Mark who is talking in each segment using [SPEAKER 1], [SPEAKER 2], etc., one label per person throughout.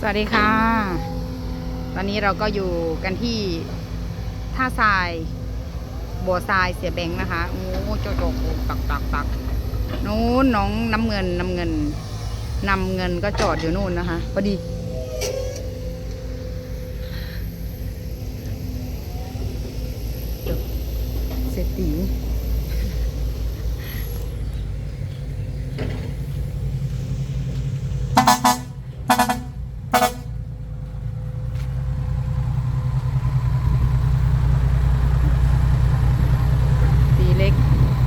[SPEAKER 1] วัสดีค่ะตอนนี้เราก็อยู่กันที่ท่าทรายบัวทรายเสียแบงค์นะคะโอ้โจโจตักนู้นน้องน้ำเงินก็จอดอยู่นู่นนะคะพอดีเศรษฐีเล็ก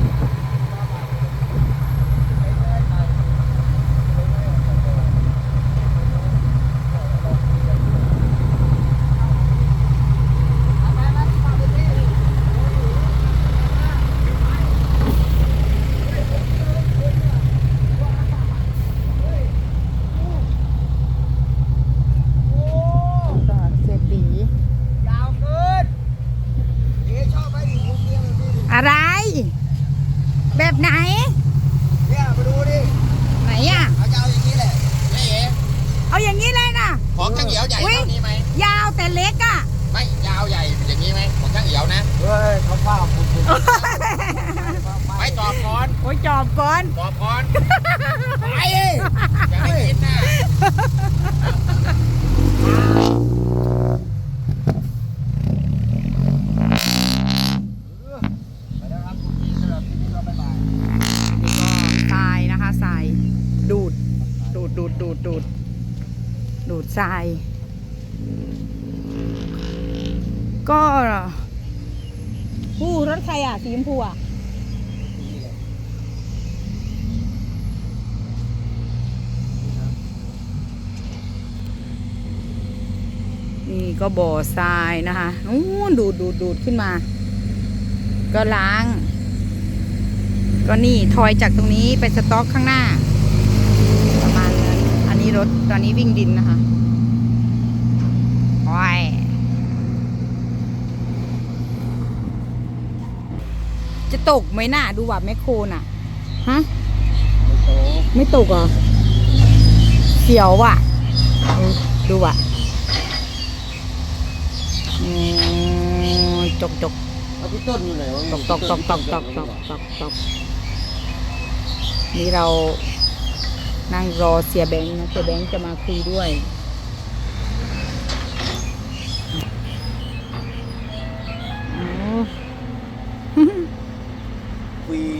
[SPEAKER 1] อะไรแบบไหน
[SPEAKER 2] เนี่ยมาดูดิ
[SPEAKER 1] ไหนอ่ะ
[SPEAKER 2] เขาจะเอาอย่างนี้แหละนี่เอ๋
[SPEAKER 1] เอาอย่างนี้เลยนะ
[SPEAKER 2] ของช่างเหี่ยวใหญ่เท่านี้ไหม
[SPEAKER 1] ยาวแต่เล็กอ่ะ
[SPEAKER 2] ไม่ยาวใหญ่อย่างนี้ไหมของช่างเหี่ยวนะเฮ้ยเขาผ้าคุณไม่จอบก่อน
[SPEAKER 1] โอ้ยจอบก่อน
[SPEAKER 2] ไปอย่าให้กินนะ
[SPEAKER 1] ทรายดูดทรายก็รถใครอ่ะสีชมพูอ่ะนี่ก็บ่อทรายนะคะดูดขึ้นมาก็ล้างก็นี่ทอยจากตรงนี้ไปสต็อกข้างหน้าประมาณนั้นอันนี้รถตอนนี้วิ่งดินนะคะโอ้ยจะตกไหมน่ะดูว่าแมคโครน่ะฮะไม่ตกเหรอเสียวว่ะดูว่ะจก
[SPEAKER 2] เอาพี่ต้นอยู่ไหนวะ
[SPEAKER 1] ตกนี่เรานั่งรอเสียแบงค์นะเสียแบงค์จะมาคุยด้วย
[SPEAKER 2] คุย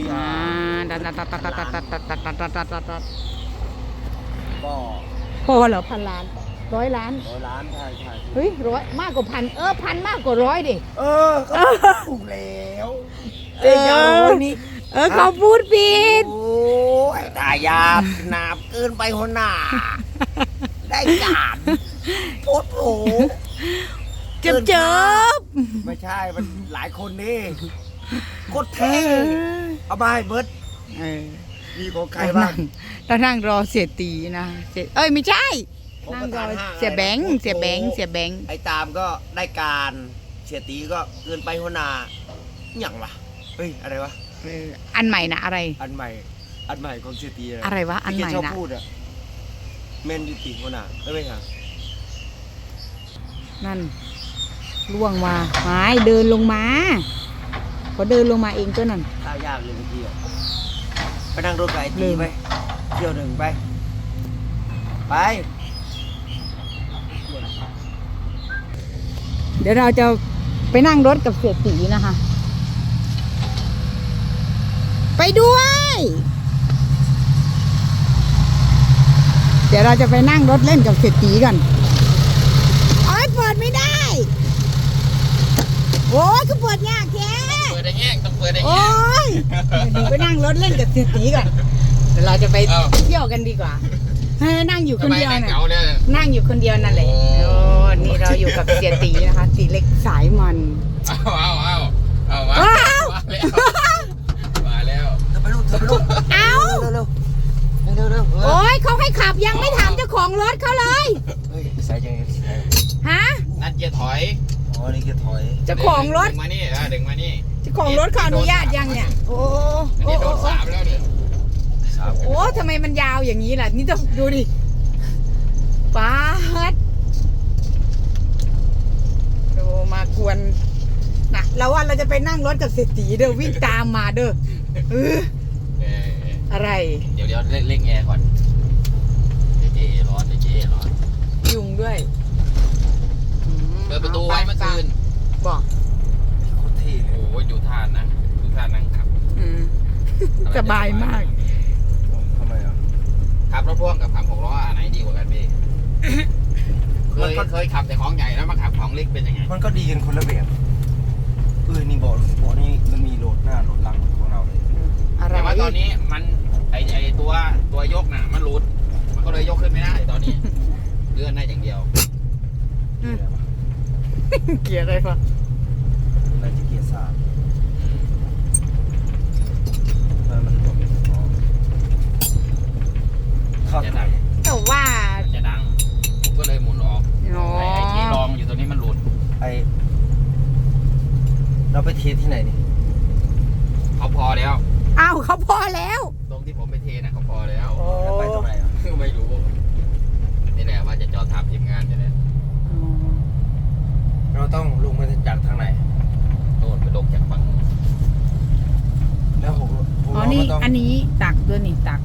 [SPEAKER 1] พอเหรอ1,000 ล้าน100 ล้าน
[SPEAKER 2] ใช่
[SPEAKER 1] เฮ้ย100มากกว่า1,0001,000มากกว่า100ดิ
[SPEAKER 2] ก็ถูกแล้วนี่
[SPEAKER 1] เขาพูดผิด
[SPEAKER 2] โอ้ยตายาหนาบเกินไปหัวหน้าได้การโพดโผ
[SPEAKER 1] เจ็บ
[SPEAKER 2] ไม่ใช่มันหลายคนนี่โคตรเท่เอาไปเบิร์ดมีของใครบ้าง
[SPEAKER 1] นั่งรอเสียตีนะไม่ใช่นั่งรอเสียแบงค์
[SPEAKER 2] ไอ้ตามก็ได้การเสียตีก็เกินไปหัวหน้าอย่างวะเฮ้ยอะไรวะ
[SPEAKER 1] อันใหม่นะอะไร
[SPEAKER 2] อันใหม่ของเสียตี
[SPEAKER 1] อะไรวะอันใหม่นะ
[SPEAKER 2] ชอบพูดอะแมนยูตีหัวหน้าไม่ใช่
[SPEAKER 1] นั่นล่วงมาไม่เดินลงมาเขาเดินลงมาเองก็นั่น
[SPEAKER 2] ข้าวยากเลยเมื่อกี้ไปนั่งรถไก่ตีไปเที่ยวหนึ่งไป
[SPEAKER 1] เดี๋ยวเราจะไปนั่งรถกับเสียตีนะคะไปด้วยเดี๋ยวเราจะไปนั่งรถเล่นกับเสียตีกันเปิดไม่ได้โอ้ยก็เปิดยากแค่
[SPEAKER 2] ต้องเปิดได้แง่
[SPEAKER 1] โอ้ยไปนั่งรถเล่นกับเสียตีก่อนเดี๋ยวเราจะไปเที่ยวกันดีกว่านั่งอยู่คนเดียวน่ะนั่งอยู่คนเดียวนั่นแหละโอ้นี่เราอยู่กับเสียตีนะคะตีเล็กสายมัน
[SPEAKER 2] มาแล้วเธอไปลูก
[SPEAKER 1] เอา
[SPEAKER 2] เร็ว
[SPEAKER 1] โอ้ยเขาให้ขับยังไม่ถามเจ้าของรถเขาเลย
[SPEAKER 2] ใส่ยัง
[SPEAKER 1] ฮะ
[SPEAKER 2] นั่นเกียร์ถอยนี่เกียร์ถอย
[SPEAKER 1] เจ้าของรถ
[SPEAKER 2] ดึงมานี่
[SPEAKER 1] เจ้าของรถขออนุญาตยังเนี่ยโอ้
[SPEAKER 2] โดน3แล้วเนี่ย
[SPEAKER 1] โอ้ทำไมมันยาวอย่างนี้ล่ะนี่ต้องดูดิ ป๊าดจะไปนั่งรถกับเศรษฐีเด้อวิ่งตามมาเด้อเออ
[SPEAKER 3] เออ
[SPEAKER 1] อะไร
[SPEAKER 3] เดี๋ยวเร่งแอร์ก่อนเดี๋ยวเจ๊ร้อนเดี๋ยวเจ๊ร้อน
[SPEAKER 1] ยุงด้วย
[SPEAKER 3] เปิดประตูไว้เมื่อคืน
[SPEAKER 1] บอก
[SPEAKER 2] โคตรเท่เลย
[SPEAKER 3] โอ้ยดูท่านั่งขับ
[SPEAKER 1] อืมสบายมาก
[SPEAKER 2] ทำไมอ่ะ
[SPEAKER 3] ขับรถพ่วงกับขับ6 ล้ออันไหนดีกว่ากันพี่ เคยขับแต่ของใหญ่แล้วมาขับของเล็กเป็นยังไง
[SPEAKER 2] มันก็ดีกันคนละแบบนี่เบาะนี่มันมีโหลดหน้าโหลดหลังของเราเลย
[SPEAKER 1] อะไร
[SPEAKER 3] แต่ว่าตอนนี้มันไอตัวยกน่ะมันหลุด มันก็เลยยกขึ้นไม่ได้ตอนนี้ เลื่อนได้อย่างเดียว
[SPEAKER 1] เกลียดอะไรปะ
[SPEAKER 2] น่าจะเกียร์สามมันบอกเข้า
[SPEAKER 3] จะดัง
[SPEAKER 1] แต่ว่า
[SPEAKER 3] จะดังผมก็เลยหมุนออก
[SPEAKER 1] อ๋อ
[SPEAKER 3] ไอ้ที่รองอยู่ตัวนี้มันหลุด
[SPEAKER 2] เราไปเทสที่ไหนนี่
[SPEAKER 3] เขาพอแล้ว
[SPEAKER 1] อ้าวเขาพอแล้ว
[SPEAKER 3] ตรงที่ผมไปเทนะเขาพอแล้ว
[SPEAKER 2] แล้วไปตรงไหนอ่ะ
[SPEAKER 3] ไม่รู้นี่แหละว่าจะจอดถามทีมงานนี่แหละ
[SPEAKER 2] เราต้องลงมาจากทางไหน
[SPEAKER 3] โน่นไปลงจากฝั่ง
[SPEAKER 2] แล้วผม
[SPEAKER 1] อ๋อนี่อันนี้ตักด้วยนี่ตัก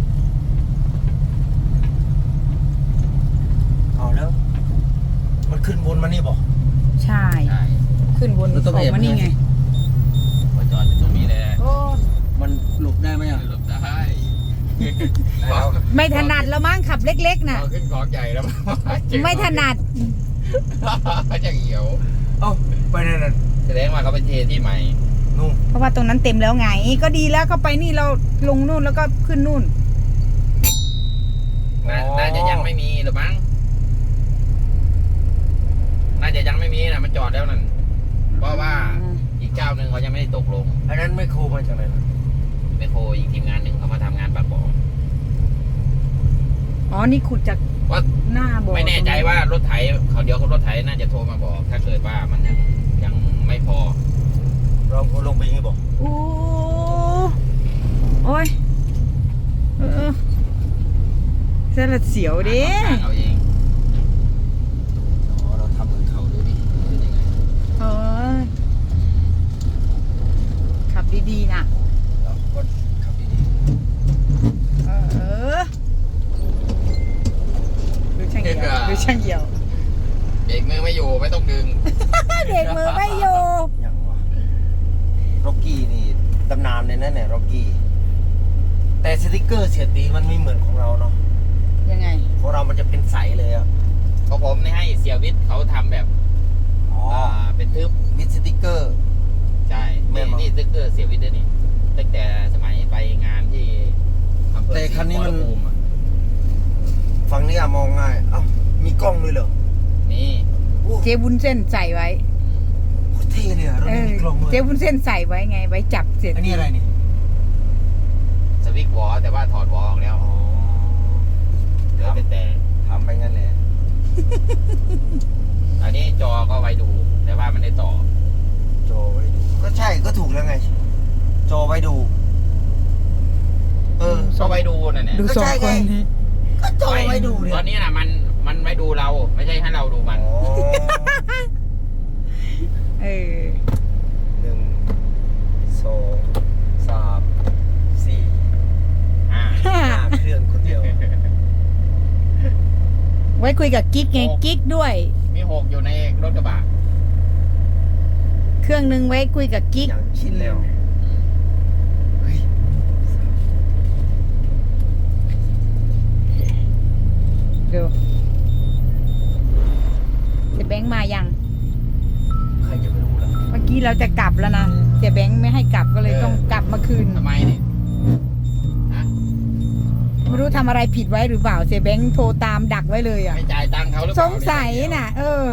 [SPEAKER 2] เอาแล้ว มันขึ้นบนมานี่บอก
[SPEAKER 1] ใช่
[SPEAKER 3] ใช่
[SPEAKER 1] ขึ้นบน
[SPEAKER 2] แล้วต้อง
[SPEAKER 1] ออกมา
[SPEAKER 2] แอบ
[SPEAKER 1] นี่ไง
[SPEAKER 3] ว่าจอดอยู่ตรงนี้แหละ
[SPEAKER 1] โอ้
[SPEAKER 2] มันหลบได้ไหมอ่ะ
[SPEAKER 3] หลบได้
[SPEAKER 2] แล้ว
[SPEAKER 1] ไม่ถนัดแล้วมั้งขับเล็กๆน่ะ
[SPEAKER 3] พอขึ้นของใหญ่แล้ว
[SPEAKER 1] ไม่ถนัด
[SPEAKER 3] จะเหี่ยว
[SPEAKER 2] เอ้าไปนั่นน่ะ
[SPEAKER 3] แสดงว่าเขาไปเทที่ใหม่
[SPEAKER 2] นู่น
[SPEAKER 1] เพราะว่าตรงนั้นเต็มแล้วไง ก็ดีแล้วก็ไปนี่เราลงนู่นแล้วก็ขึ้นนู่น
[SPEAKER 3] น่าจะยังไม่มีหรือมั้งน่าจะยังไม่มีนะมันจอดแล้วนั่นเพราะว่าอีกเจ้าหนึ่งเขายังไม่ได้ตกลง
[SPEAKER 2] อันนั้นไม่โครมาจากไหนนะ
[SPEAKER 3] แมคโครอีกทีมงานหนึ่งเขามาทำงานปากบ่อ
[SPEAKER 1] อ๋อนี่ขุดจาก
[SPEAKER 3] ว่า
[SPEAKER 1] หน้าบ่อ
[SPEAKER 3] ไม่แน่ใจว่ารถไถเขาเดี๋ยวรถไถน่าจะโทรมาบอก ถ้าเกิดว่ามันยังไม่พอ
[SPEAKER 2] เราลงไปยังไงบอก
[SPEAKER 1] โอ้โอ้ยเส้นละเสียวเด้
[SPEAKER 3] เอาเองอ๋อเราทำเหมือนเขาดูดิเป็นยังไง
[SPEAKER 1] เออขับดีๆนะ
[SPEAKER 2] เราก็ขับดี
[SPEAKER 1] เออดูช่างเหี่ยวดูช่างเหี่ยว
[SPEAKER 3] เบรกมือไม่อยู่ไม่ต้องดึง
[SPEAKER 1] เด็กมือไม่อยู่
[SPEAKER 2] ๆอย่างวะร็อกกี้นี่ตำนานเลยนะเนี่ยร็อกกี้แต่สติกเกอร์เสียตีมันไม่เหมือนของเราเนาะ
[SPEAKER 1] ยังไง
[SPEAKER 2] ของเรามันจะเป็นใสเลยอ่ะ
[SPEAKER 3] เพราะผมนี่ให้เสียวิทย์เขาทำแบบ
[SPEAKER 2] อ๋อ
[SPEAKER 3] เป็นทึบ
[SPEAKER 2] มิดสติกเกอร์
[SPEAKER 3] ใช่
[SPEAKER 2] แม่
[SPEAKER 3] นี่
[SPEAKER 2] นบ่
[SPEAKER 3] นี่สติ๊กเกอร์เสียวิทย์ด้วยนี่ตั้งแต่สมัยไปงานที่อำเภอ
[SPEAKER 2] แต่คันนี้มัน
[SPEAKER 3] ศรีขอรภูอะ
[SPEAKER 2] ฝั่งนี้อะมองง่ายเอ้ามีกล้องด้วยเหรอ
[SPEAKER 3] นี่
[SPEAKER 2] โอ้
[SPEAKER 1] เจ๊วุ้นเส้นใส่ไว้
[SPEAKER 2] โคตรเท่เลยอะรถ
[SPEAKER 1] เอ
[SPEAKER 2] นี้
[SPEAKER 1] อ
[SPEAKER 2] มีกล้องด้วย
[SPEAKER 1] เจ๊วุ้นเส้นใส่ไว้ไง ไว้จับเสร็จ
[SPEAKER 2] อันนี้อะไรนี่
[SPEAKER 3] สวิกวอลแต่ว่าถอดวอลออกแล้ว
[SPEAKER 2] อ๋อ
[SPEAKER 3] เหลือแต่
[SPEAKER 2] ทำไปงั้นแหละ
[SPEAKER 3] อันนี้จอก็ไว้ดู แต่ว่ามันได้ต่อ
[SPEAKER 2] จอไว้ดูก็ใช่ก็ถูกแล้วไง จอไว้ดู เออ
[SPEAKER 3] ก็ไว้ดูนั่นแหละ
[SPEAKER 1] ดูสองคนนี้
[SPEAKER 2] ก็จอไว้ดูเนี่ย
[SPEAKER 3] ตอนนี้น่ะมันไว้ดูเรา ไม่ใช่ให้เราดูมัน
[SPEAKER 2] อ๋อ
[SPEAKER 1] เออ
[SPEAKER 2] 1 2 3 4
[SPEAKER 3] อ่า
[SPEAKER 2] 5เครื่องคนเดียว
[SPEAKER 1] ไว้คุยกับกิ๊กไง กิ๊กด้วย
[SPEAKER 3] มี6อยู่ในรถกระบะ
[SPEAKER 1] เครื่องนึงไว้คุยกับกิ๊ก
[SPEAKER 2] อย่างชินแล้วเฮ้ย
[SPEAKER 1] ดูเสียแบงค์มายัง
[SPEAKER 2] ใครจะไปรู้ล่ะ
[SPEAKER 1] เมื่อกี้เราจะกลับแล้วนะเสียแบงค์ไม่ให้กลับก็เลยต้องกลับมาคืน
[SPEAKER 3] ทำไมนี่ฮะ
[SPEAKER 1] ไม่รู้ทำอะไรผิดไว้หรือเปล่า เสียแบงค์โทรตามดักไว้เลยอ่ะ
[SPEAKER 3] ไม่จ่ายตังค์เขาหรือเป
[SPEAKER 1] ส
[SPEAKER 3] ล่าง
[SPEAKER 1] สัยน่ะ เออ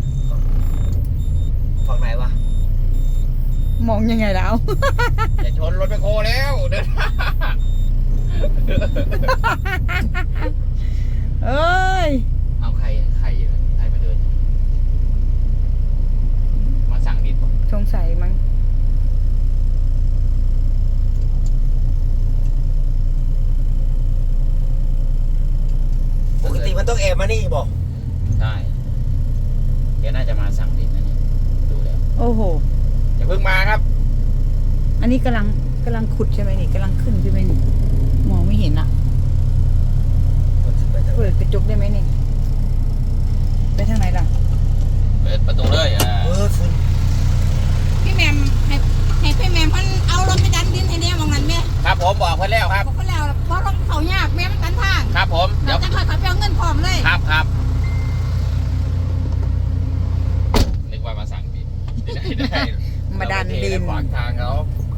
[SPEAKER 2] ฝั่งไหนวะ
[SPEAKER 1] มองยังไงแล้ว
[SPEAKER 3] อย่าชนรถไปโคแล้วเดิน
[SPEAKER 1] เอ้ย
[SPEAKER 3] เอาใครอยู่ใครมาเดิน มาสั่งดิบป่ะ
[SPEAKER 1] สงสัยมั้ง
[SPEAKER 2] ปกติมันต้องแอบมานี่บอก
[SPEAKER 3] ใช่แกน่าจะมาสั่งดิบนะเนี่ยดูแล้ว
[SPEAKER 1] โอ้โห
[SPEAKER 3] อย่าเพิ่งมาครับ
[SPEAKER 1] อันนี้กำลังขุดใช่ไหมนี่กำลังขึ้นใช่ไหมนี่มองไม่เห็นอ่ะเปิดกระจกได้ไหมนี่ไปทางไหนล่ะ
[SPEAKER 3] เปิดประตูเลย
[SPEAKER 2] ฝุ่น
[SPEAKER 4] พี่แมมให้พี่แมมเพิ่นเอารถไปดันดินให้แน่มองนั้นแม่
[SPEAKER 3] ครับผมบอกเพื่อนแล้วครับ
[SPEAKER 4] บอกเพิ่นแล้วเพราะรถเขายากแม่มันกันทาง
[SPEAKER 3] ครับผมเดี๋
[SPEAKER 4] เรา
[SPEAKER 3] ยว
[SPEAKER 4] จะค่อยๆไปเอาเงินพร้อมเลย
[SPEAKER 3] ครับนึกว่ามาสั่งดิได้
[SPEAKER 1] มาดันดิน
[SPEAKER 3] ขวางทางเขา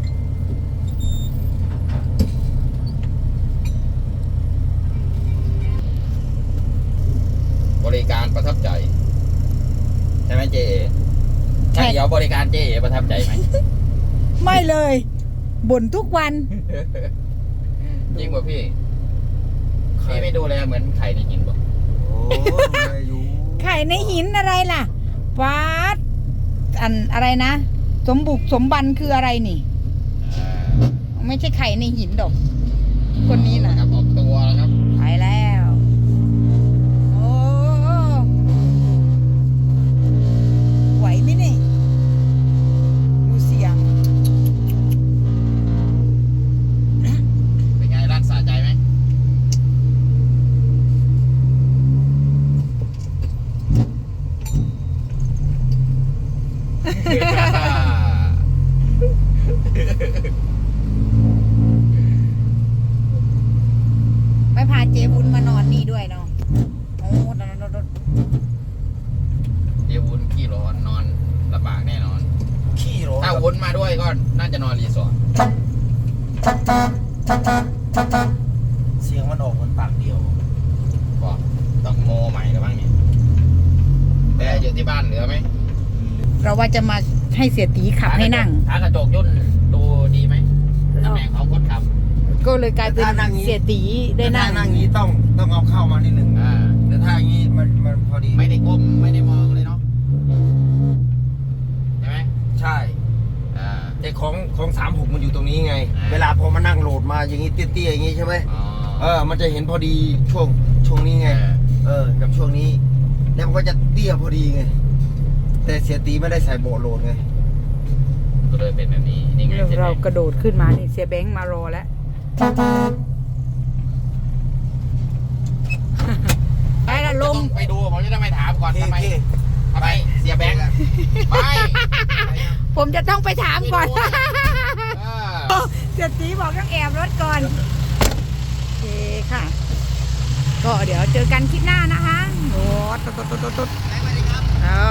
[SPEAKER 3] บริการประทับใจใช่ไหมเจ๊ใช่เดี๋ยวบริการเจ๊ประทับใจไหม
[SPEAKER 1] ไม่เลยบ่นทุกวัน
[SPEAKER 3] จริงป่ะพี่พี่ไม่ดูแลเหมือนไข่ในหินป่ะ
[SPEAKER 2] โอ้ยอยู่
[SPEAKER 1] ไข่ในหินอะไรล่ะฟ้าดอันอะไรนะ สมบุกสมบันคืออะไรนี่ ไม่ใช่ไข่ในหินดอก คนนี้น่ะ
[SPEAKER 3] ครับออกตัวแล้วครับ
[SPEAKER 1] ไปแล้ว โอ้ไหวไหมนี่ดูเสียง
[SPEAKER 3] เป็นไงร้านสะใจไหม
[SPEAKER 1] ไปพาเจ๊บุญมานอนนี่ด้วยเนาะโอ้นอน
[SPEAKER 3] เดี๋ยววุ้นขี้ร้อนนอนลำบากแน่นอน
[SPEAKER 2] ขี้ร้อน
[SPEAKER 3] ถ้าวุ้นมาด้วยก็น่าจะนอนรีสอร์ท
[SPEAKER 2] เสียงมันออกมันปากเดียว
[SPEAKER 3] ก็ต้องโมใหม่แล้วบ้างเนี่ยแต่อยู่ที่บ้านเหลือไหม
[SPEAKER 1] เราว่าจะมาให้เสียตีขับให้นั่ง
[SPEAKER 3] ถ้ากระจกย่นดูดีไหมตำแหน่งของคนขับ
[SPEAKER 1] ก็เลยกลายเป็นเสียตีได้นั่ง
[SPEAKER 2] ถ้านั่งอย่างนี้ต้องเอาเข้ามานิดหนึ่ง
[SPEAKER 3] อ่า
[SPEAKER 2] แต่ถ้าอย่างนี้มันพอดี
[SPEAKER 3] ไม่ได้ก้มไม่ได้มองเลยเนาะใช่ไหม
[SPEAKER 2] ใช่
[SPEAKER 3] อ่า
[SPEAKER 2] แต่ของ36มันอยู่ตรงนี้ไง
[SPEAKER 3] อ่า
[SPEAKER 2] เวลาพอมานั่งโหลดมาอย่างนี้เตี้ยๆอย่างนี้ใช่ไหม
[SPEAKER 3] อ๋อ
[SPEAKER 2] มันจะเห็นพอดีช่วงนี้ไง กับช่วงนี้ แล้วมันก็จะเตี้ยพอดีไง แต่เสียตีไม่ได้ใส่โบโหลดไง
[SPEAKER 3] ก็เลยเป็นแบบนี้นี่ไงใช่ไหม
[SPEAKER 1] เรากระโดดขึ้นมานี่เสียแบงค์มารอแล้ว ไปละลง
[SPEAKER 3] ต้องไปดูผมจะต้องไปถามก่อน
[SPEAKER 2] โอเค
[SPEAKER 3] ทำไม
[SPEAKER 2] โอเค
[SPEAKER 3] ทำไมเสียแบงค์ไป
[SPEAKER 1] ผมจะต้องไปถามก่อน
[SPEAKER 3] เออ
[SPEAKER 1] เสียตีบอกต้องแอบรถก่อน โอเคค่ะ ก็เดี๋ยวเจอกันคลิปหน้านะคะโอ้ตุ๊ด